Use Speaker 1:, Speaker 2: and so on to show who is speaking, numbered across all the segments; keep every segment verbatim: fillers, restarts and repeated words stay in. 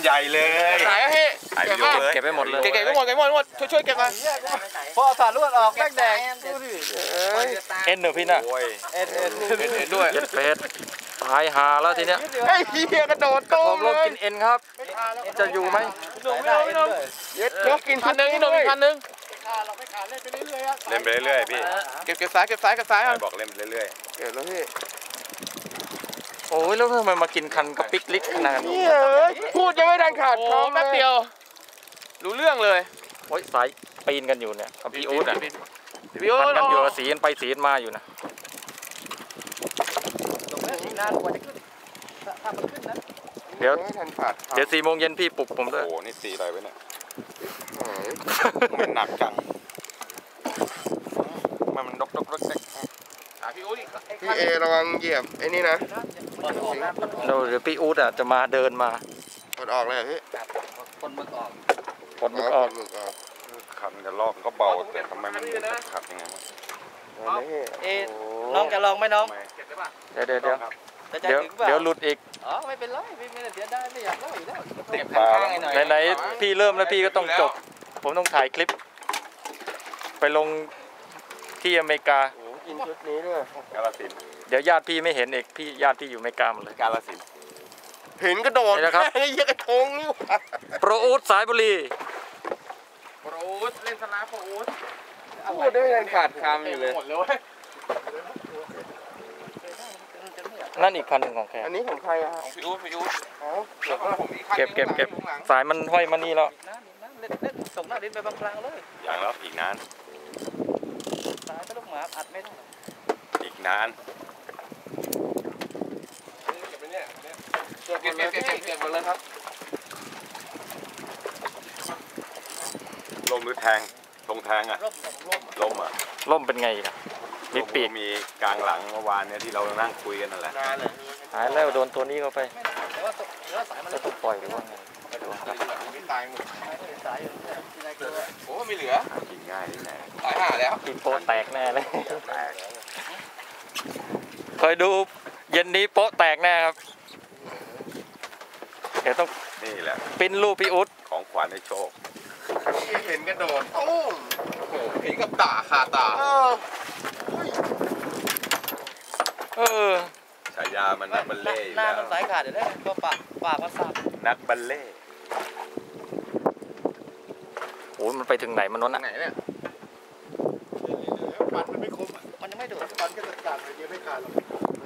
Speaker 1: ใหญ่เลย
Speaker 2: ไหนอะพี่เก็บมา
Speaker 3: เก็บไปหมดเลย
Speaker 2: เก็บไปหมดเก็บไปหมดช่วยช่วยเก็บมาพอสารลวดออกแดงแดง
Speaker 3: เอ็นเหรอพี่น่ะ
Speaker 2: เอ็นเอ็นเอ็นด้วย
Speaker 3: เย็ดเป็ดตายหาแล้วทีเนี้ย
Speaker 2: ไอ้เหี้ยกระโดดโต้ง
Speaker 3: เลยกินเอ็นครับจะอยู่ไหม
Speaker 2: เย็ดนกกินพันหนึ่งนกกินพันหนึ่ง
Speaker 1: เล่นไปเรื่อยๆพี่
Speaker 2: เก็บเก็บซ้ายเก็บซ้ายเก็บซ้าย
Speaker 1: บอกเล่นไปเรื่อย
Speaker 2: ๆเก็บแล้วพี่
Speaker 3: โอ้ยแล้วทำไมมากินคันกับปิกลิกขนาดนี้
Speaker 2: พูดยังไม่ทันขาดคำแป๊บเดียวรู้เรื่องเลย
Speaker 3: โอ้ยสายปีนกันอยู่เนี่ยกับพี่อู๊ดอ่ะ
Speaker 2: พี่อู๊ด
Speaker 3: กันอยู่สีกันไปสีกันมาอยู่นะเดี๋ยวเดี๋ยวสี่โมงเย็นพี่ปลุกผมด้วย
Speaker 1: โอ้นี่ตีอะไรไว้เนี่ยมันหนักจังมันมันดกดกดก
Speaker 2: พี่อู๊ดพี่เอระวังเหยียบไอ้นี่นะ
Speaker 3: เดี๋ยวพี่อู๊ดอ่ะจะมาเดินมา
Speaker 2: ปลดออกเลยพี่
Speaker 3: คนมึกออกคนมึกออก
Speaker 1: ขับมันจะลอกก็เบาแต่ทำไมมันขับยังไง
Speaker 4: เอน้องจะลองไหมน้อง
Speaker 3: เดี๋ยวเดี๋ยวเดี๋ยวเดี๋ยวเดี๋ยวหลุดอีก
Speaker 4: อ๋อไม่เป็นไรพี่ไม่เสียดายไม่อยากเล่าอีกแล้ว
Speaker 1: เต็มปลา
Speaker 3: ไหนๆพี่เริ่มแล้วพี่ก็ต้องจบผมต้องถ่ายคลิปไปลงที่อเมริกา
Speaker 2: กินชุดนี้ด้วย
Speaker 1: กาลสิน
Speaker 3: เดี๋ยวญาติพี่ไม่เห็นเอกพี่ญาติพี่อยู่อเมริกาหมดเลย
Speaker 1: กาลสิน
Speaker 2: เห็นกระโดด
Speaker 3: นะครับ
Speaker 2: ไอ้เหี้ยกระทงนี่
Speaker 3: โปรอู๊ดสายบุรี
Speaker 2: โปรอู๊ดเล่นสนามโปรอู๊ดพูดได้ยังขาดคำอยู่เลย
Speaker 3: นั่นอีกคันหนึ่งของแก
Speaker 2: อันนี้ของใครอะ
Speaker 1: ของพี่อู๊ดพี่อู๊ด
Speaker 3: เก็บเก็บเก็บสายมันห้อยมานี่แล้ว
Speaker 4: เล่นเล่นส่งหน้าดินไปบางครั้งเลย
Speaker 1: อย่างแล้วอีกนาน
Speaker 4: สายก็ลูกหมาอัดไม่ได้
Speaker 1: อีกนาน
Speaker 2: เก็บไปเนี่ยเก็บเก็บเก็บเก็บเก็บหมดเลยครับ
Speaker 1: ลมหรือแทงตรงแทงอ่ะลมอ่ะ
Speaker 3: ล่มเป็นไงอ่ะมีปีก
Speaker 1: มีกลางหลังเมื่อวานเนี่ยที่เรานั่งคุยกันนั่นแหละ
Speaker 3: หายแล้วโดนตัวนี้เข้าไปจะต้องปล่อยหรือว่าไง
Speaker 2: ไม่ตายหมด
Speaker 4: สายอยู่ที่ไหนเกิด
Speaker 2: โอ้ไม่เหลือ
Speaker 1: กินง่ายที่ไหน
Speaker 2: ตายห่าแล้ว
Speaker 3: กินโป๊ะแตกแน่เลยคอยดูเย็นนี้โป๊ะแตกแน่ครับเดี๋ยวต้อง
Speaker 1: นี่แหละ
Speaker 3: ปิ้นรูปพี่อุ๊ด
Speaker 1: ของขวัญในโชค
Speaker 2: เห็นกระโดดโอ้โหเห็นกับตาคาตา
Speaker 3: เออ
Speaker 1: ฉายามันนักบัลเล่
Speaker 4: หน้ามันสายขาดเดี๋ยวได้ก็ปากปากมันสับ
Speaker 1: นักบัลเล่
Speaker 3: โอ้มันไปถึงไหนมันนั่น
Speaker 2: ไหนเนี่ยปันมันไม่คม
Speaker 4: มันยังไม่โดด
Speaker 2: ปันก็จะขาดเลยไม่ขาดหรอก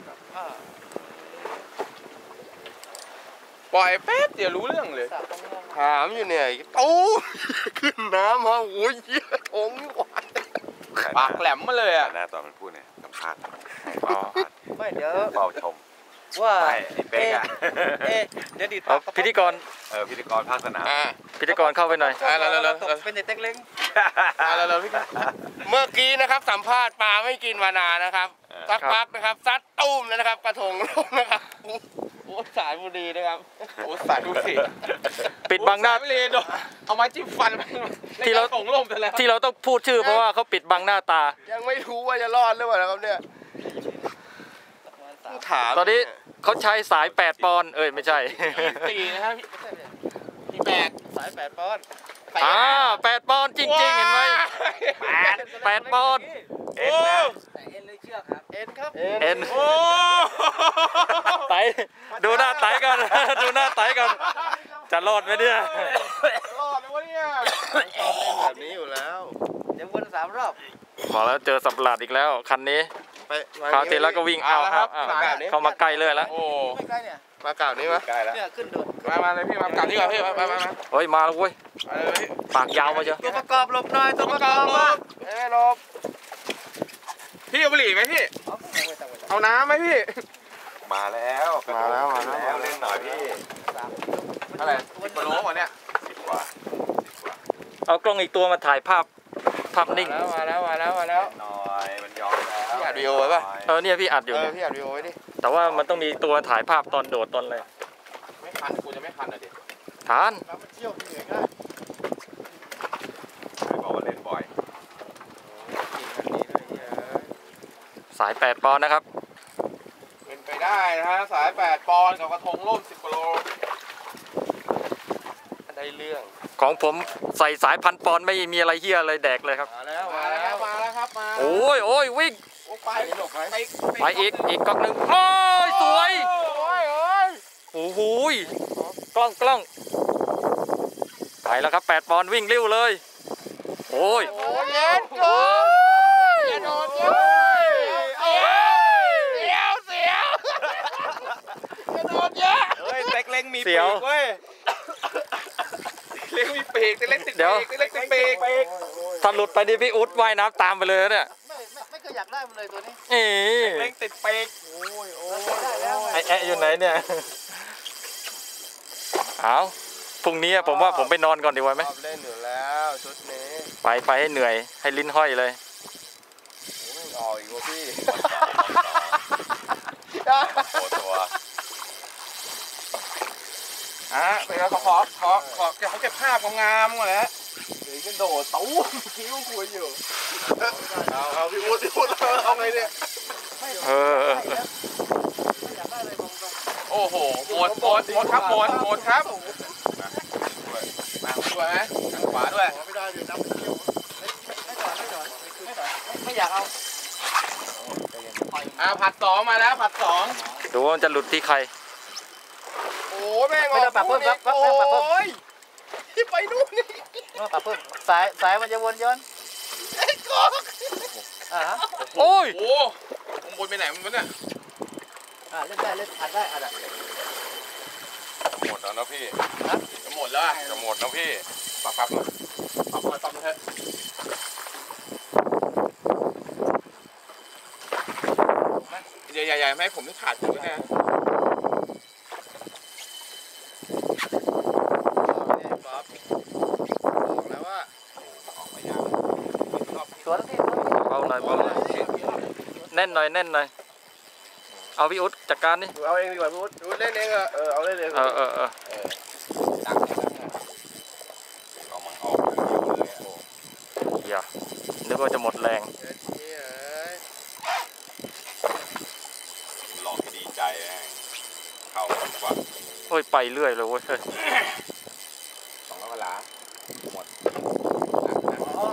Speaker 2: ปล่อยแป๊บเดี๋ยวรู้เรื่องเลยถามอยู่เนี่ยตู้ขึ้นน้ำฮะโอ้ยเยี่ยทงนี่หวานปากแหลมมาเลยอ่ะ
Speaker 1: หน้าตอนมันพูดเนี่ยสัมภาษณ์
Speaker 4: ไม่เดี๋ยว
Speaker 1: เฝ้าชม
Speaker 4: ว่า
Speaker 1: ไอ้เป๊กอะ
Speaker 4: เอ๊ะเดี๋ยวดี
Speaker 3: ต่อพิธีกร
Speaker 1: เออพิธีกรภาคสนาม
Speaker 3: พิธีกรเข้าไปหน่อย
Speaker 4: แล้วแล้วเป็นเด็กเล็ก
Speaker 2: แล้วแล้วพี่เมื่อกี้นะครับสัมภาษณ์ปลาไม่กินมานานนะครับสักพักนะครับซัดตุ้มนะครับกระทงลงนะครับโอ้สายบุรีนะครับโอ้สายบุรี
Speaker 3: ปิดบังหน้า
Speaker 2: ไม่เลยโดนเอาไม้จิ้มฟัน
Speaker 3: ที่เรา
Speaker 2: ส่งลมไปแล้ว
Speaker 3: ที่เราต้องพูดชื่อเพราะว่าเขาปิดบังหน้าตา
Speaker 2: ยังไม่รู้ว่าจะรอดหรือเปล่าครับเนี่ยถาม
Speaker 3: ตอนนี้เขาใช้สายแปดปอนด์เอ้ยไม่ใช่
Speaker 2: สี่นะครับพี่แปดสายแปดปอนด์
Speaker 3: อ่าแปดปอนด์จริงๆเห็นไหมแปดแปดปอนด์
Speaker 4: เอ็นเอ็นเลยเชือกครับเอ็นครับ
Speaker 3: เอ็นโอ้ไตดูหน้าไตกันดูหน้าไตกันจะรอดไหมเนี่ย
Speaker 2: รอดไหมวะเนี่ยแบบนี้อยู่แล้ว
Speaker 4: เดี๋ยววนสามรอบ
Speaker 3: บอกแล้วเจอสับหลาดอีกแล้วคันนี้คราวที่แล้วก็วิ่งเอาครับเข้ามาใกล้เลยแล้ว
Speaker 2: โอ้
Speaker 4: ไม่ใกล้เนี่ย
Speaker 2: มาเก่านี้มั้ย
Speaker 1: ใกล้แล้ว
Speaker 4: เนี่ยขึ้นโดด
Speaker 2: มามาเลยพี่มาเก่านี้ก่อนพี่มามามา
Speaker 3: เฮ้ยมาแล้วเว้ยปากยาวมาเชียว
Speaker 4: ตัวประกอบหลบหน่อยตัวประกอบหลบ
Speaker 2: เอ้ยหลบพี่เอาบุหรี่ไหมพี่เอาน้ำไหมพี่
Speaker 1: มาแล้ว
Speaker 2: มาแล้วมา
Speaker 1: แล้วเล่นหน่อยพี่
Speaker 2: อะไรสิบโลวะเนี่ย
Speaker 1: สิบกว่า
Speaker 3: เอากล้องอีกตัวมาถ่ายภาพภาพนิ่ง
Speaker 2: มาแล้วมาแล้วมาแล้ว
Speaker 1: หน่อยมันยอมแล้ว
Speaker 2: พี่อัดวิดีโอไว้ป่ะ
Speaker 3: เออเนี่ยพี่อัดอยู่
Speaker 2: พี่อัดวิดีโอไว้ดิ
Speaker 3: แต่ว่ามันต้องมีตัวถ่ายภาพตอนโดดตอนอะไร
Speaker 2: ไม่คันกูจะไม่คันอ่ะดิ
Speaker 3: ทาน
Speaker 2: เที่ยวที่ไหนก็
Speaker 1: บอกว่าเล่นบ่อย
Speaker 3: สายแปดปอนด์นะครับ
Speaker 2: เป็นไปได้นะฮะสายแปดปอนด์กับกระทงร่มสิบกิโลช่เรื่อง
Speaker 3: ของผมใส่สายพันปอนด์ไม่มีอะไรเฮียอะไรแดกเลยครับ
Speaker 2: มาแล้วมาแล้วมาแล้วครับมา
Speaker 3: โอ้ยโอ้ยวิ่ง
Speaker 2: โอ้ไปไป
Speaker 3: ไปอีกอีกกล้องหนึ่งโอ้ยสวย
Speaker 2: โอ้ยโอ้ย
Speaker 3: โอ้โหยกล้องกล้องไปแล้วครับแปดปอนด์วิ่งเร็วเลยโอ้ย
Speaker 2: โอ้ยเย็นจ้าเย็นโดนเย็นเสียวเสียวเย็นโดนเยอะเฮ้ยเต็กเล็งมีปีกเว้ยเล็งมีปีกแต่เล็กติดปีกแต่เล็กติดปีก
Speaker 3: ถ้าหลุดไปดิพี่อุ๊ดว่ายน้ำตามไปเลยเนี่ย
Speaker 4: ไม่ไม่ไม่เคยอยากได้มันเลยตัวนี้
Speaker 3: เอ๋
Speaker 2: เล็งติดปีกโอ้ยโอ้ย
Speaker 4: ได้แล้ว
Speaker 3: ไอแอะอยู่ไหนเนี่ยเอาพรุ่งนี้ผมว่าผมไปนอนก่อนดีกว่าไหม
Speaker 2: ชอบเล่นอยู่แล้วชุดนี้
Speaker 3: ไปไปให้เหนื่อยให้ลิ้นห้อยเลย
Speaker 2: โอ้ยออกอีกว่ะพี่
Speaker 1: โอ้ตัว
Speaker 2: อ่ะไปแล้วขอขอขอขอเขาเก็บภาพงามๆก่อนนะเดี๋ยวจะโดดตู้คิ้วคุยอยู่เอาเอาพี่วุฒิพี่วุฒิเอาไงเนี่ย
Speaker 3: เออ
Speaker 4: ไม่อยากได้เลยตรงตรง
Speaker 2: โอ้โหหมดหมดหมดครับหมดหมดครับมาด้วยไหมทางขวาด้วย
Speaker 4: ไม่ได้เดี๋ยวน้ำเที่ยวไม่ถอนไม่ถอนไม่ถอนไม่อยากเอา
Speaker 2: อ่าผัดสองมาแล้วผัดสอง
Speaker 3: ดูว่ามันจะหลุดที่ใคร
Speaker 2: โอ้แม่ง
Speaker 4: ไม่ต้องปรับเพิ่มครับปรับเพิ่มปรับเพิ่ม
Speaker 2: โอ้ยที่ไปนู่นนี่
Speaker 4: ไม่ปรับเพิ่มสายสายมันจะวนย้อน
Speaker 2: ไอ้กอก
Speaker 4: อ่าฮะ
Speaker 3: โอ้ย
Speaker 2: โอ้มึงบนไปไหนมึงวะเนี่ย
Speaker 4: อ่าเล่นได้เล่นอัดได้อัดอ่ะ
Speaker 1: หมดแล้วนะพี่
Speaker 2: จะหมดแล้วอะ
Speaker 1: จะหมดแล้วพี่
Speaker 2: ปรับปรับมาปรับมาปรับมาเถอะอย่าอย่าอย่าไม่ให้ผมที่ขาดอยู่นะ
Speaker 4: สวนที่
Speaker 3: เบาหน่อยเบาหน่อยแน่นหน่อยแน่นหน่อยเอาพี่อุ๊ดจัดการนี่
Speaker 2: เอาเองดีกว่าพูดพูดเล่นเองเออเอาเล่นเอง
Speaker 3: เออเออเออ
Speaker 2: ดังดัง
Speaker 1: เอามันออกเลยอะ
Speaker 3: อย่านึกว่าจะหมดแรง
Speaker 1: หลอกให้ดีใจแม่งเข้าดีกว่า
Speaker 3: โอ้ยไปเรื่อยเลยเว้ย
Speaker 2: สองร้อยกว่าหลาหมด
Speaker 4: อ๋อ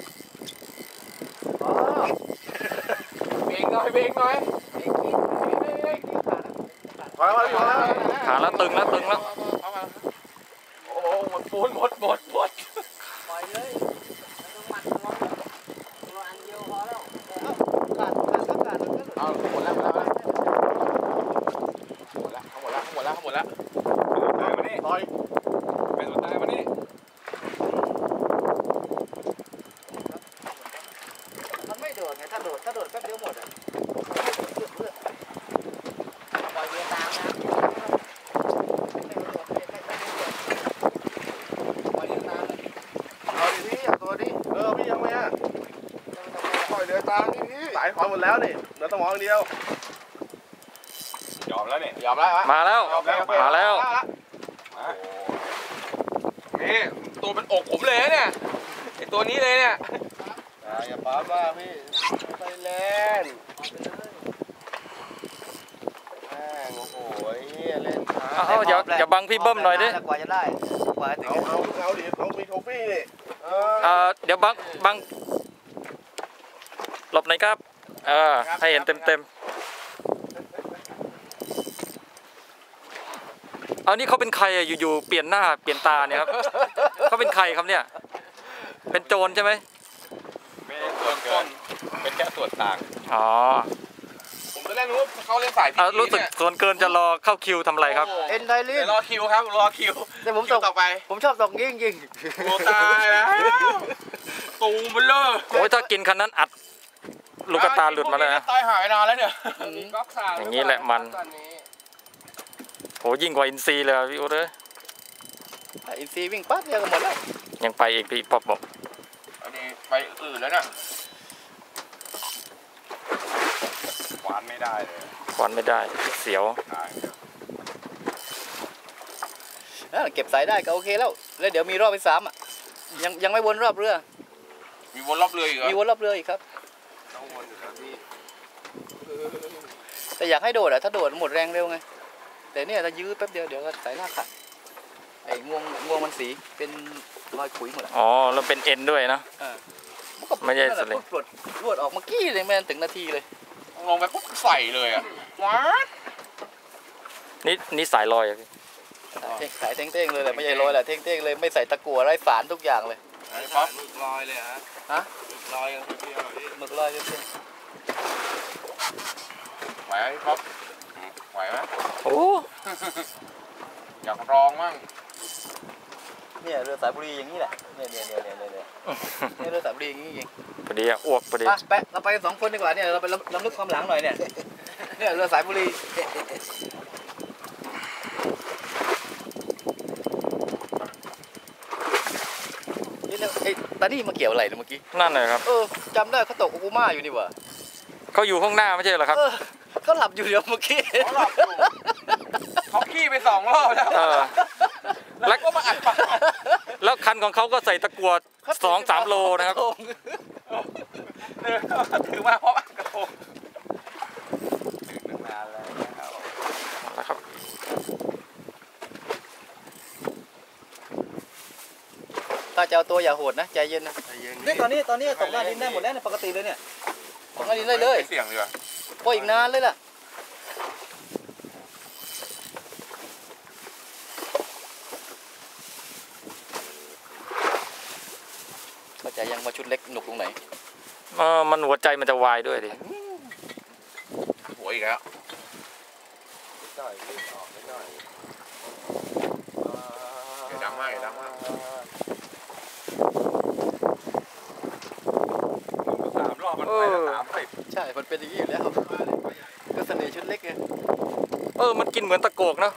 Speaker 4: อ๋อ
Speaker 2: เบรกหน่อยเบรกหน่อย
Speaker 4: ไอ้กินไอ้ไอ้กินขาด
Speaker 2: พอแล้วพอแล้ว
Speaker 3: ขาแล้วตึงแล้วตึงแล้ว
Speaker 2: โอ้หมดปูนหมดหมดหมด
Speaker 4: ปล่อยเลยมันต้องมันร้อนตัวอันเดียวพอแล้วเอ้าขาดขาดทับขาดมันก็หลุด
Speaker 2: เอาหมดแล้วหมดแล้วหมดแล้วหมดแล้วหมดแล้วหมดแล้ว
Speaker 1: ตายมานี่
Speaker 2: ลอย
Speaker 1: เป็นตัวตายมานี่
Speaker 4: มันไม่โดดไงถ้าโดดถ้าโดดแป๊บเดียวหมดอ่ะปล่อยเรือตามนะปล่อยเรือตาม
Speaker 2: เอาดิพี่เอาตัวดิเออพี่ยังไงอ่ะปล่อยเรือตามนี่พี่สายถอนหมดแล้วนี่เหลือสมองเดียวย
Speaker 1: อมแล้วเนี่ย
Speaker 2: ยอมแล้ว
Speaker 3: มาแล้วมาแล้ว
Speaker 1: มา
Speaker 2: นี่ตัวเป็นอกผมเลยเนี่ยไอตัวนี้เลยเนี่ยอย่าป้าบ้าพี่ไปเล่นแม่งโอ้โหเล่นช้า
Speaker 3: เอาอย่าอย่าบังพี่เบิ้มหน่อยดิ
Speaker 4: กว่าจะได้กว่าจะถึง
Speaker 2: เอาเอาเอาดิเอามีโทฟี่ดิเออ
Speaker 3: เอ่อเดี๋ยวบังบังหลบหน่อยครับเออให้เห็นเต็มเต็มๆเอานี่เขาเป็นใครอะอยู่ๆเปลี่ยนหน้าเปลี่ยนตาเนี่ยครับเขาเป็นใครครับเนี่ยเป็นโจรใช่ไหม
Speaker 1: ไม่ได้ส่วนเกินเป็นแค่ส่วนต่าง
Speaker 3: อ๋อ
Speaker 2: ผมจะเล่นรู้เขาเล่นสายพี
Speaker 3: เอารู้สึกส่วนเกินจะรอเข้าคิวทำอะไรครับ
Speaker 4: เอ็นไดลิ
Speaker 2: เดี๋
Speaker 4: น
Speaker 2: ยวรอคิวครับรอคิว
Speaker 4: แต่ผม
Speaker 2: คิ
Speaker 4: ต
Speaker 2: ว
Speaker 4: ก
Speaker 2: ต่อไป
Speaker 4: ผมชอบตกยิงยิง
Speaker 2: โอ้ตายแล้วตูมเบลอ
Speaker 3: โอ้ยถ้ากินคันนั้นอัดลูกกระตาหลุดมาแล้วนะ
Speaker 2: ตายหายนานแล้วเนี่ย
Speaker 3: อย่างนี้แหละมัน โหยิ่งกว่าอินซีเลยอะพี่อุ๊ดเอ้ย
Speaker 4: อินซีวิ่งปั๊บเดียวก็หมดแล้ว
Speaker 3: ยังไปอีกพี่ป๊อปบอก
Speaker 2: อันนี้ไปอื่นแล้วเนี่ย
Speaker 1: หวานไม่ได้เลย
Speaker 3: ควันไม่ได้เสียว
Speaker 1: ตาย
Speaker 4: เออเก็บสายได้ก็โอเคแล้วแล้วเดี๋ยวมีรอบที่สามอ่ะยังยังไม่วนรอบเรือ
Speaker 2: มีวนรอบเรืออีกเหรอ
Speaker 4: มีวนรอบเรืออีกครับ
Speaker 2: ต้องวนอยู่ครับพี่
Speaker 4: แต่อยากให้โดดอ่ะถ้าโดดหมดแรงเร็วไงแต่เนี่ยถ้ายื้อแป๊บเดียวเดี๋ยวก็สายลากขาด
Speaker 5: ไอ้งวงงวงมันสีเป็นรอยขุยหมดอ่ะ
Speaker 3: อ๋อแล้วเป็นเอ็นด้วยนะ
Speaker 5: มันก็
Speaker 3: ไม่ใช่สลิง
Speaker 5: ปลดรวดออกเมื่อกี้เลยแม่นถึงนาทีเลย
Speaker 2: ลงไปปุ๊บใส่เลยอ่ะว้า
Speaker 3: นี่นี่สายลอยอะพี่
Speaker 5: ขายเท่งๆเลยแหละไม่ใช่ลอยแหละเท่งๆเลยไม่ใส่ตะกั่วไร้สารทุกอย่างเลย
Speaker 2: ป๊อปลอยเลยฮะ
Speaker 5: ฮะ
Speaker 2: ลอยกันเพียวๆพี่
Speaker 5: หมึกลอยเท่ง
Speaker 2: ไหวไหมพี่ป๊อปไหวไหม
Speaker 3: โอ้
Speaker 2: อยากลองมั่ง
Speaker 5: ๆเนี่ยเรือสายบุรีอย่างนี้แหละเนี่ยเนี่ยเนี่ยเนี่ยเนี่ยเนี่ยเรือสายบุรีอย่างนี้จริง
Speaker 3: พอดีอะอ้วกพอดี
Speaker 5: ไปไปเราไปกันสองคนดีกว่าเนี่ยเราไปล้ำลึกความหลังหน่อยเนี่ยเนี่ยเรือสายบุรีนี่เนี่ยไอ้ตานี่มาเกี่ยวอะไรเนี่ยเมื่อกี้
Speaker 3: นั่นเลยครับ
Speaker 5: เออจำได้เขาตกโอกุมาอยู่นี่หว่า
Speaker 3: เขาอยู่ข้างหน้าไม่ใช่เหรอครับ
Speaker 5: เออเขาหลับอยู่เดี๋ยวเมื่อกี้
Speaker 2: เขาหลับอยู่เขาขี้ไปสองรอบแล้ว
Speaker 3: เออ
Speaker 2: แล้วก็มาอัดปาก
Speaker 3: แล้วคันของเขาก็ใส่ตะกั่วสองสามโลนะครับ
Speaker 2: เออถือมาเพราะอัดกระทงถึงนานแล้วนะครับ
Speaker 3: นะครับ
Speaker 5: ถ้าจะเอาตัวอย่าโหดนะใจเย็นนะ
Speaker 2: ใจเย็น
Speaker 5: นี่ตอนนี้ตอนนี้ตกหน้าดินได้หมดแล้วเนี่ยปกติเลยเนี่ยตกหน้าดินได้เลย
Speaker 2: เสี่ยงดีกว่า
Speaker 5: พออีกนานเลยล่ะเข้าใจยังว่าชุดเล็กหนุกตรงไหน
Speaker 3: เออมันหัวใจมันจะวายด้วยดิ
Speaker 2: หัวอีกแล้ว
Speaker 1: ได้รีบออกไม่ได้
Speaker 2: อย่าดังมากอย่าดังมาก
Speaker 1: สามรอบมันไปแล้วสามสิบ
Speaker 5: ใช่ มันเป็นอย่างนี้อยู่แล้วก็เสน่ห์ชุดเล็กไง
Speaker 3: เออมันกินเหมือนตะโกกเนาะ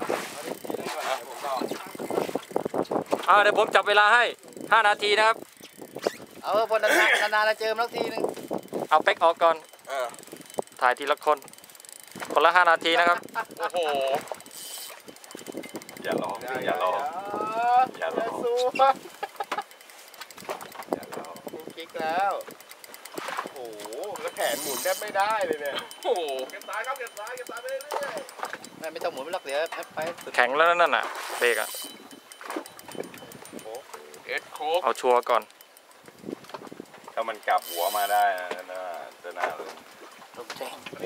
Speaker 3: อ่าเดี๋ยวผมจับเวลาให้ห้านาทีนะครับ
Speaker 5: เอาพอนานๆนานๆเราเจอมาสักทีนึง
Speaker 3: เอาเป็กออกก่อน
Speaker 2: เออ
Speaker 3: ถ่ายทีละคน คนละห้านาทีนะครับ
Speaker 2: โอ้โห
Speaker 1: อย่าลองอย่าลองอย่าลอง
Speaker 5: สู้
Speaker 1: อย่าลอง
Speaker 5: กิ๊กแล้ว
Speaker 2: โอ้โหแล้วแขนหมุนแทบไม่ได้เลยเนี่ยโอ้โหเก็บซ้ายครับเก็บซ้ายเก็บซ้ายไปเรื่อย
Speaker 5: ไม่ไม่ต้องหมุนไม่รักเดี๋ยวไปสุด
Speaker 3: แข็งแล้วนั่นน่ะเบรกอะ
Speaker 2: ๆเอ็ดโค้ก
Speaker 3: เอาชัวร์ก่อน
Speaker 1: ถ้ามันกลับหัวมาได้นะน่าจะน่าเลย
Speaker 5: ตกใจ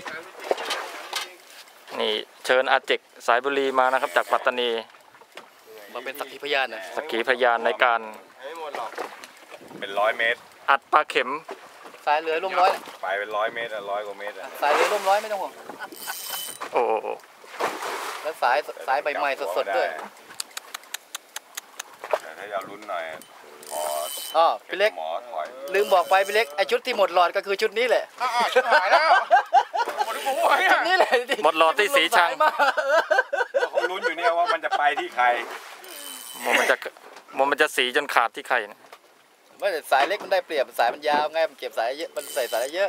Speaker 3: นี่เชิญอาเจกสายบุรีมานะครับ จากปัตตานี
Speaker 5: มาเป็นสักขีพยานนะ
Speaker 3: สักขีพยานในการ
Speaker 2: ไม่หมดหรอก
Speaker 1: เป็นร้อยเมตร
Speaker 3: อัดปลาเข็ม
Speaker 5: สายเรือร่มร้อย
Speaker 1: ไปเป็นร้อยเมตรอะร้อยกว่าเมตรอะ
Speaker 5: สายเรือร่มร้อยไม่ต้องห่วง
Speaker 3: โอ้โห
Speaker 5: แล้วสายสายใบใหม่สดๆด้วย
Speaker 1: แต่ถ้าอยากลุ้นหน่อยหมอ
Speaker 5: อ๋อพี่เล็ก
Speaker 1: หมอถอย
Speaker 5: ลืมบอกไปพี่เล็กไอชุดที่หมดหลอดก็คือชุดนี้แหละ
Speaker 2: อ้าวชิบหายแล้วหมดหัวเนี่
Speaker 5: ชุ
Speaker 2: ย
Speaker 5: ดนี้แหละ
Speaker 3: หมดหลอดที่สีชัง
Speaker 5: สายมา
Speaker 1: เขาลุ้นอยู่เนี่ยว่ามันจะไปที่ใคร
Speaker 3: มันมันจะมันมันจะสีจนขาดที่ไข่นะ
Speaker 5: ไม่แต่สายเล็กมันได้เปรียบสายมันยาวไงมันเก็บสายเยอะมันใส่สายเยอะ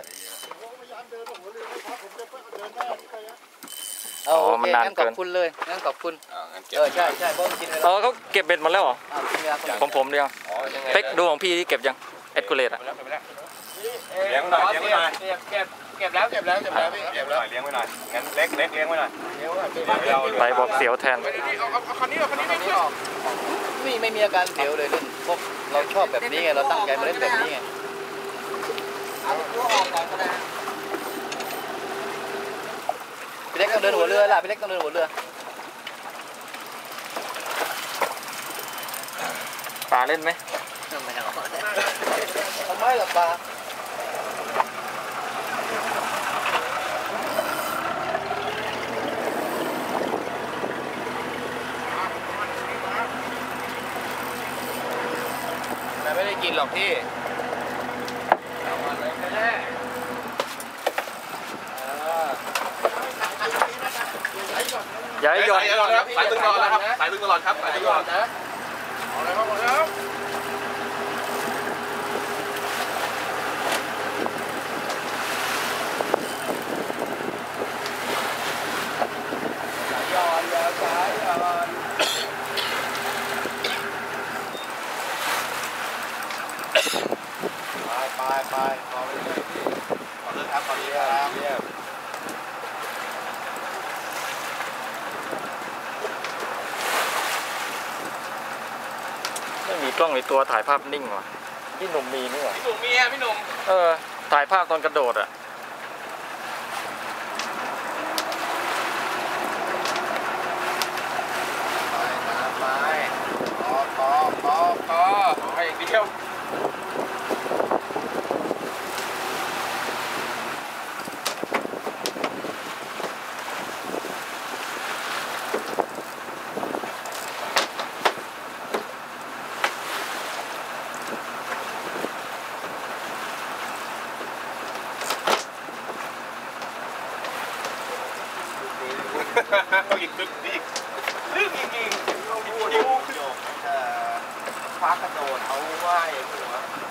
Speaker 5: เอาโอเคงั้นขอบคุณเลยงั้นขอบคุณ
Speaker 1: อ่างั้นเก็บ
Speaker 5: เออใช่ใช่เพราะมันกินเว
Speaker 3: เอ
Speaker 5: ลา
Speaker 3: อเขาเก็บเบ็ดหมดแล้วเหรอ
Speaker 5: อ้าวกินเวลาคนอื่น
Speaker 3: ของผมเดียว
Speaker 1: อ๋อยังไง
Speaker 3: เป็กดูของพี่ที่เก็บยังเอ็ดกูเลตอะ
Speaker 2: ไปแล้วไปแล้ว
Speaker 1: เลี้ยงหน่อยเลี้ยงหน่อย
Speaker 2: เก็บเก็บเก็บแล้วเก็บแล้วเก็บแล้วพี่
Speaker 1: เลี้
Speaker 2: เก็
Speaker 1: ยง
Speaker 2: บ
Speaker 1: ห
Speaker 2: แล้
Speaker 1: น่
Speaker 2: ว
Speaker 1: อยเลี้ยงไว้หน่อยงั้นเล็กเล็กเลี้ยงไว้หน่อย
Speaker 2: เดี๋ยวก่อน
Speaker 1: เดี๋ยวเรา
Speaker 3: ไปบอกเสียวแทน
Speaker 2: เอาเอาเอาคันนี้เอาคันนี้ไม่ขึ้น
Speaker 5: ไม่ไม่มีอาการเสียวเลยเล่นพวกเราชอบแบบนี้ไงเราตั้งใจมาเล่นแบบนี้ไงพี่เล็กต้องเดินหัวเรือล่ะพี่เล็กต้องเดินหัวเรือ
Speaker 3: ปลาเล่นไหม
Speaker 5: ทำไมล่ะปลา
Speaker 2: แต่ไม่ได้กินหรอกพี่เอามาเลยแน่
Speaker 3: อย่าให้หย่อน
Speaker 2: สายตึงตลอดครับสายตึงตลอดครับสายตึงตลอดนะเอาเลยครับเอาเลยครับย้อนแล้วสายย้อนไปไปไปขอไปเลยพี่ขอเลยครับขอเลยครับเยี่ยม
Speaker 5: เ
Speaker 3: ไม่มีกล้องในตัวถ่ายภาพนิ่งว่ะพี่หนุ่มมีนี่หว่า
Speaker 2: พี่หนุ่มมีอ่ะพี่หนุ่ม
Speaker 3: เออถ่ายภาพตอนกระโดดอ่ะ
Speaker 2: ไปตามไปพอพอพอพอไปอย่างเดียว อีกลึกอีกลึกจริงๆดูดูโยกจะคว้ากระโดดเอาไหว้หัว